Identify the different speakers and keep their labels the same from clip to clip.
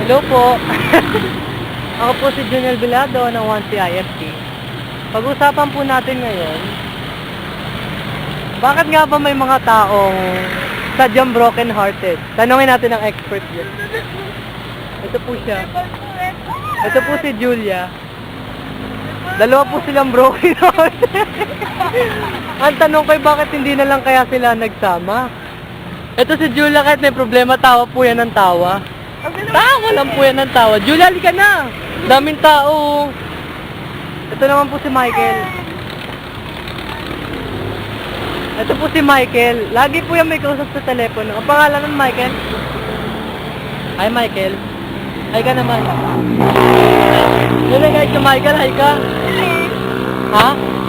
Speaker 1: Hello po. Ako po si Junel Vilado ng 1CIFT. Pag-usapan po natin ngayon, bakit nga ba may mga taong sadyang broken-hearted? Tanungin natin ang expert dyan. Ito po siya. Ito po si Julia. Dalawa po silang broken-hearted. Ang tanong ko ay bakit hindi na lang kaya sila nagsama? Ito si Julia, kahit may problema, tawa po yan ng tawa. Tawa lang po yan ng tawa. Julia, halika na! Daming tao. Ito naman po si Michael. Ito po si Michael. Lagi po yan may kausap sa telepono. Ang pangalan ng Michael? Hi, Michael. Hi ka naman. Yun guys, si Michael. Hi ka. Ha?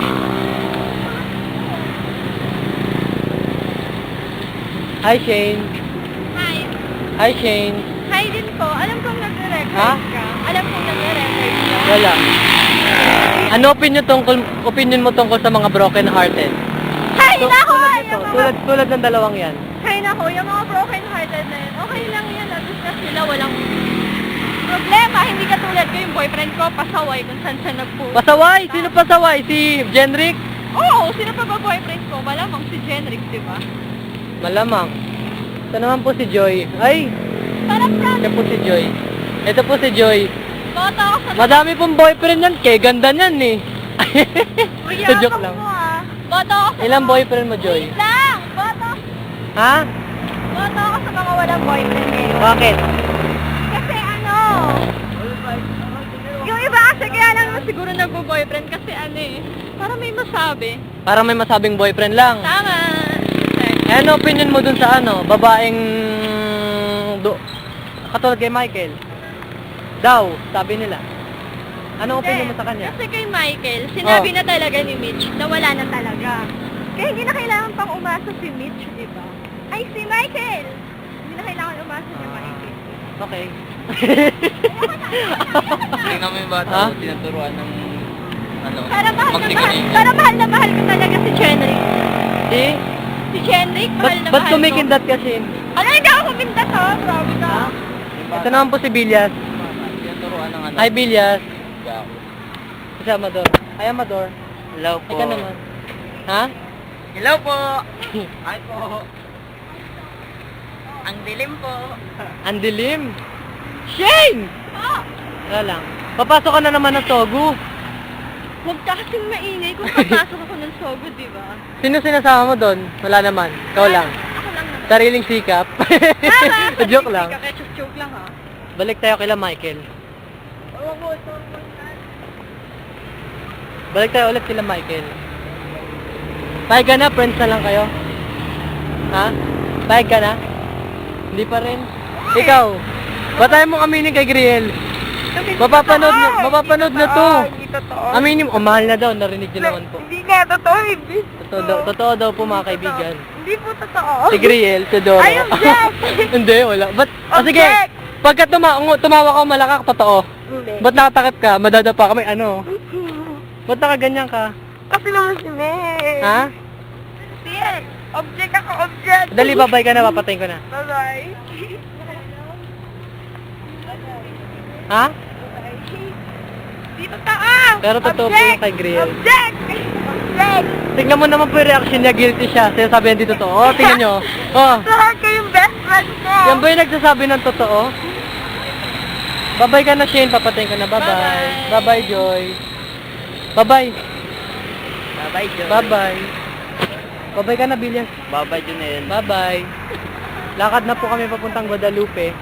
Speaker 1: Hi, Shane.
Speaker 2: Hi.
Speaker 1: Hi, Shane.
Speaker 2: Hi din po. Alam kong nagre-record
Speaker 1: Ha?
Speaker 2: ka. Alam kong nagre-record ka.
Speaker 1: Wala. Ano opinion mo tungkol sa mga broken-hearted?
Speaker 2: Hay nako!
Speaker 1: Tulad ng dalawang yan.
Speaker 2: Hay nako, yung mga broken-hearted na yun. Okay lang yan. At na sila walang problema. Hindi katulad ko yung boyfriend ko. Pasaway kung saan siya nagpunta.
Speaker 1: Pasaway? Sino pasaway? Si Jenrick?
Speaker 2: Oo, sino pa ba boyfriend ko? Malamang si Jenrick, di ba?
Speaker 1: Malamang. Ito naman po si Joy. Ay!
Speaker 2: Parang
Speaker 1: Ito po si Joy. Ito po si Joy.
Speaker 2: boto ako sa...
Speaker 1: Madami pong boyfriend yan. Kaya ganda niyan eh. Sa joke lang.
Speaker 2: Mo, ah. Boto ako sa...
Speaker 1: Ilang boyfriend mo, Joy?
Speaker 2: Wait lang! Boto!
Speaker 1: Ha?
Speaker 2: Boto ako sa mga walang boyfriend ngayon.
Speaker 1: Bakit?
Speaker 2: Kasi ano, yung iba kasi kaya lang naman siguro nagbo-boyfriend kasi ano eh, para may masabi.
Speaker 1: Parang may masabing boyfriend lang.
Speaker 2: Tama!
Speaker 1: Eh, ano opinion mo dun sa ano? Babaeng... Katulad kay Michael. Daw, sabi nila. Anong opinion mo sa kanya?
Speaker 2: Kasi kay Michael, sinabi
Speaker 1: Oh.
Speaker 2: na talaga ni Mitch na wala na talaga. Kaya hindi na kailangan pang umasa si Mitch, di ba? Ay, si Michael! Hindi na kailangan umasa si Michael.
Speaker 1: Okay.
Speaker 3: Tingnan mo yung bata
Speaker 1: Ha?
Speaker 3: ko, tinuturuan ng ano,
Speaker 2: Para mahal na mahal ko talaga si Chenrick.
Speaker 1: Si?
Speaker 2: Si Chenrick, mahal na
Speaker 1: Ba't
Speaker 2: mahal ko.
Speaker 1: kumikindat kasi?
Speaker 2: Ano, hindi ako kumindat ha? Grabe ka.
Speaker 1: Ito naman po si Bilyas.
Speaker 3: Tinuturuan ng ano.
Speaker 1: Hi, Bilyas.
Speaker 3: Yeah.
Speaker 1: Si Amador. Hi, Amador.
Speaker 3: Hello
Speaker 1: Hi ka naman. Ha?
Speaker 3: Hello po. Hi po. Ang dilim po.
Speaker 1: Ang dilim. Shane!
Speaker 2: Oh,
Speaker 1: Wala lang. Papasok ka na naman ng Sogu.
Speaker 2: huwag ka kasing maingay kung papasok ako ng Sogo, di ba?
Speaker 1: Sino sinasama mo doon? Wala naman. Ikaw lang.
Speaker 2: Ako lang naman.
Speaker 1: Sariling sikap.
Speaker 2: Tama!
Speaker 1: Joke lang.
Speaker 2: Joke lang ha.
Speaker 1: Balik tayo kila Michael.
Speaker 2: Huwag mo,
Speaker 1: Balik tayo ulit kila Michael. Pahig ka na? Friends na lang kayo? Ha? Pahig ka na? Hindi pa rin? Ikaw? Ba't tayo mong aminin kay Griel? Mapapanood na to.
Speaker 2: Hindi totoo.
Speaker 1: Aminin mo, mahal na daw, narinig niyo naman po.
Speaker 2: Hindi nga, totoo, hindi.
Speaker 1: Totoo daw po mga kaibigan.
Speaker 2: Hindi po totoo.
Speaker 1: Si Griel, si Doro.
Speaker 2: Ay, object!
Speaker 1: Hindi, wala. Ba't? Sige,
Speaker 2: Object!
Speaker 1: pagka tumawa ka malakak, totoo.
Speaker 2: Hindi.
Speaker 1: Ba't nakatakip ka? Madadapa ka, may ano? Ba't nakaganyan ka?
Speaker 2: Kasi naman si May.
Speaker 1: Ha?
Speaker 2: Yes. Object ako, object.
Speaker 1: Dali, babay ka na, papatayin ko na.
Speaker 2: Bye-bye.
Speaker 1: Ha?
Speaker 2: Di totoo.
Speaker 1: Pero totoo po yung kay Griel.
Speaker 2: Object! Object!
Speaker 1: Tingnan mo naman po yung reaction niya, guilty siya. Sa'yo sabi yan dito totoo. Oh, tingnan nyo. Oh,
Speaker 2: Saan kayong best friend ko?
Speaker 1: yan ba yung nagsasabi ng totoo? Babay ka na, Shane. Papatayin ko na. Bye-bye.
Speaker 2: Bye-bye.
Speaker 1: Bye-bye, Joy. Bye-bye.
Speaker 3: Bye-bye, John.
Speaker 1: Bye-bye. Bye-bye ka na, Billions.
Speaker 3: Bye-bye, Junel.
Speaker 1: Bye-bye. Lakad na po kami papuntang Guadalupe.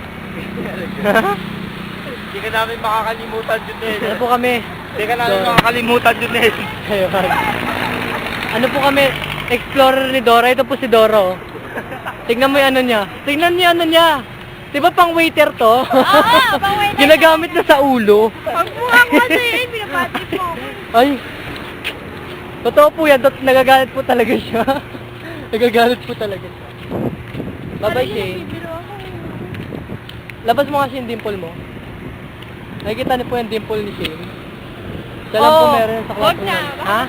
Speaker 3: Hindi ka namin makakalimutan, Junel.
Speaker 1: Ano po kami?
Speaker 3: Hindi ka namin makakalimutan, Junel.
Speaker 1: Ayun. Ano po kami? Explorer ni Dora. Ito po si Doro. Tignan mo yung ano niya. Tignan niyo ano niya. Di ba pang waiter to?
Speaker 2: pang-waiter.
Speaker 1: Ginagamit na sa ulo.
Speaker 2: Pagbuha ko kasi, pinapati po.
Speaker 1: Ay. Totoo po yan. Nagagalit po talaga siya. Nagagalit po talaga siya. Bye-bye, Shane. Labas mo kasi yung dimple mo. Nakikita niyo po yung dimple ni Shane. Siya lang po meron sa
Speaker 2: Huwag
Speaker 1: kwarto
Speaker 2: na.
Speaker 1: niya. Ha?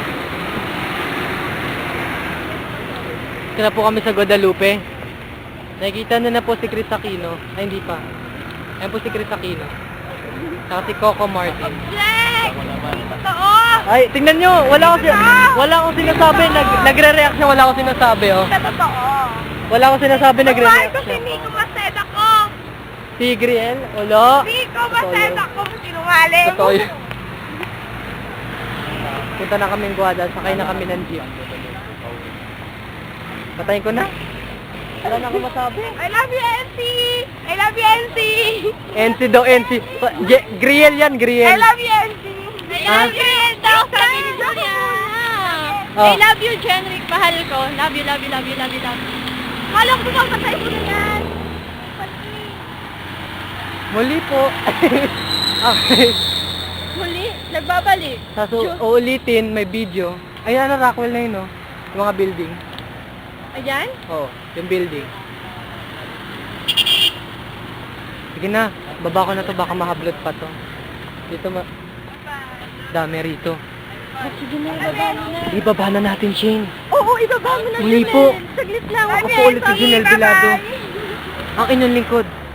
Speaker 1: Kaya po kami sa Guadalupe. Nakikita na po si Chris Aquino. Ay, hindi pa. Ayan po si Chris Aquino. Saka si Coco Martin.
Speaker 2: Flex! Totoo!
Speaker 1: Ay, tingnan nyo! Wala akong sinasabi. Nagre-react siya. Wala akong sinasabi, oh.
Speaker 2: Sa totoo.
Speaker 1: Wala akong sinasabi.
Speaker 2: Mahal
Speaker 1: Nagre-react
Speaker 2: ko si
Speaker 1: siya.
Speaker 2: Nico Maceda ko.
Speaker 1: Si Griel? Wala.
Speaker 2: Nico Maceda ko. Sinungaling.
Speaker 1: Totoo yun. Punta na kaming Guada. Sakay na kami ng jeep. Patayin ko na. Wala na akong masabi.
Speaker 2: I love you, NC! I love you, NC!
Speaker 1: NC daw, NC. Griel yan, Griel.
Speaker 2: I love you, NC! I
Speaker 1: Ah?
Speaker 2: love you, daw, sabi ni Julia.
Speaker 1: Oh.
Speaker 2: I love you, Jenrick. Mahal ko. Love you, love you, love you, love you, love you. Mahal ko ba patay ko na yan?
Speaker 1: Muli po. Okay.
Speaker 2: Muli, nagbabalik.
Speaker 1: Uulitin, may video. Ayan na, Rockwell na yun, no? Yung mga building.
Speaker 2: Ayan?
Speaker 1: Oo, yung building. Sige na, baba ko na to, baka mahablot pa to. Dito dami rito.
Speaker 2: Sige na, ibaba mo na.
Speaker 1: Ibaba na natin, Shane.
Speaker 2: Oo, ibaba mo na.
Speaker 1: Muli
Speaker 2: Junel.
Speaker 1: po.
Speaker 2: Saglit lang.
Speaker 1: Ako po ulit si Junel Vilado. Ang inyong lingkod.